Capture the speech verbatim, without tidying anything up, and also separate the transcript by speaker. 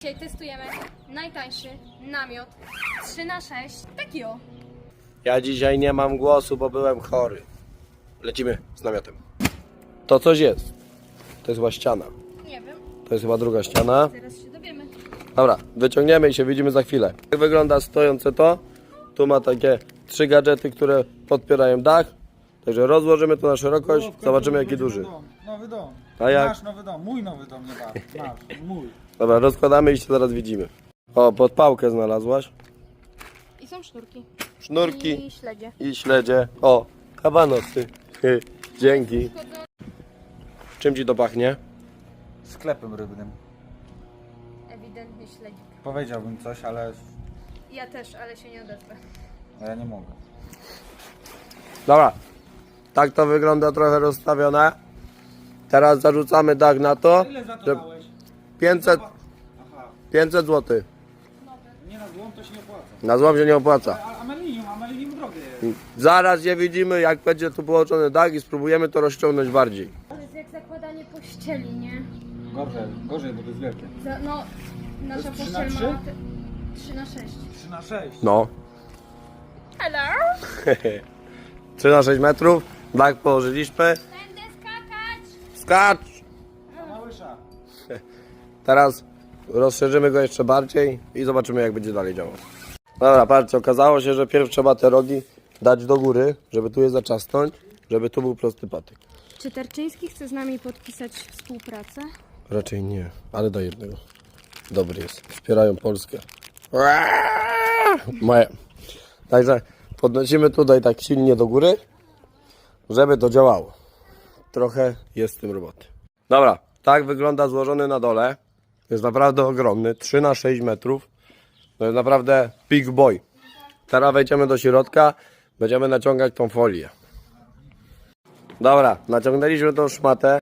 Speaker 1: Dzisiaj testujemy najtańszy namiot trzy na sześć. Taki o.
Speaker 2: Ja dzisiaj nie mam głosu, bo byłem chory. Lecimy z namiotem. To coś jest. To jest chyba ściana.
Speaker 1: Nie wiem,
Speaker 2: To jest chyba druga ściana.
Speaker 1: zaraz się dowiemy.
Speaker 2: Dobra, wyciągniemy i się widzimy za chwilę. Jak wygląda stojące to? Tu ma takie trzy gadżety, które podpierają dach. Także rozłożymy to na szerokość, zobaczymy jaki duży.
Speaker 3: Nowy dom, nowy dom.
Speaker 2: A jak?
Speaker 3: Nasz nowy dom, mój nowy dom, nie wasz, nasz, mój.
Speaker 2: Dobra, rozkładamy i się zaraz widzimy. O, podpałkę znalazłaś.
Speaker 1: I są sznurki.
Speaker 2: Sznurki
Speaker 1: I śledzie.
Speaker 2: i śledzie. O, kabanosy. Dzięki. Czym ci to pachnie?
Speaker 3: Sklepem rybnym.
Speaker 1: Ewidentnie śledzik.
Speaker 3: Powiedziałbym coś, ale
Speaker 1: Ja też, ale się nie odezwę.
Speaker 3: ja nie mogę.
Speaker 2: Dobra, tak to wygląda trochę rozstawione. Teraz zarzucamy dach na to.
Speaker 3: Ile za to
Speaker 2: że
Speaker 3: dałeś?
Speaker 2: pięćset,
Speaker 3: Aha,
Speaker 2: pięćset złotych.
Speaker 3: nie na złom to się nie opłaca.
Speaker 2: Na złom się nie opłaca.
Speaker 3: A, a melinium, a melinium drogie jest.
Speaker 2: Zaraz je widzimy, jak będzie tu połączony dach i spróbujemy to rozciągnąć bardziej.
Speaker 1: To jest jak zakładanie pościeli, nie?
Speaker 3: Gorzej, gorzej, bo to jest wielkie.
Speaker 1: Za, no, nasza
Speaker 3: To jest trzy na
Speaker 1: pościel
Speaker 3: trzy?
Speaker 1: ma trzy na sześć.
Speaker 3: trzy na sześć.
Speaker 2: No.
Speaker 1: Hello?
Speaker 2: trzy na sześć metrów. Dach położyliśmy.
Speaker 1: Będę skakać!
Speaker 2: Skacz!
Speaker 3: A małysza.
Speaker 2: Teraz rozszerzymy go jeszcze bardziej i zobaczymy, jak będzie dalej działał. Dobra, patrzcie, okazało się, że pierw trzeba te rogi dać do góry, żeby tu je zaczasnąć, żeby tu był prosty patyk.
Speaker 1: Czy Tarczyński chce z nami podpisać współpracę?
Speaker 2: Raczej nie, ale do jednego. Dobry jest. Wspierają Polskę. Moje. Także podnosimy tutaj tak silnie do góry, żeby to działało. Trochę jest w tym roboty. Dobra, tak wygląda złożony na dole. Jest naprawdę ogromny, trzy na sześć metrów. To jest naprawdę big boy. Teraz wejdziemy do środka, będziemy naciągać tą folię. Dobra, naciągnęliśmy tą szmatę.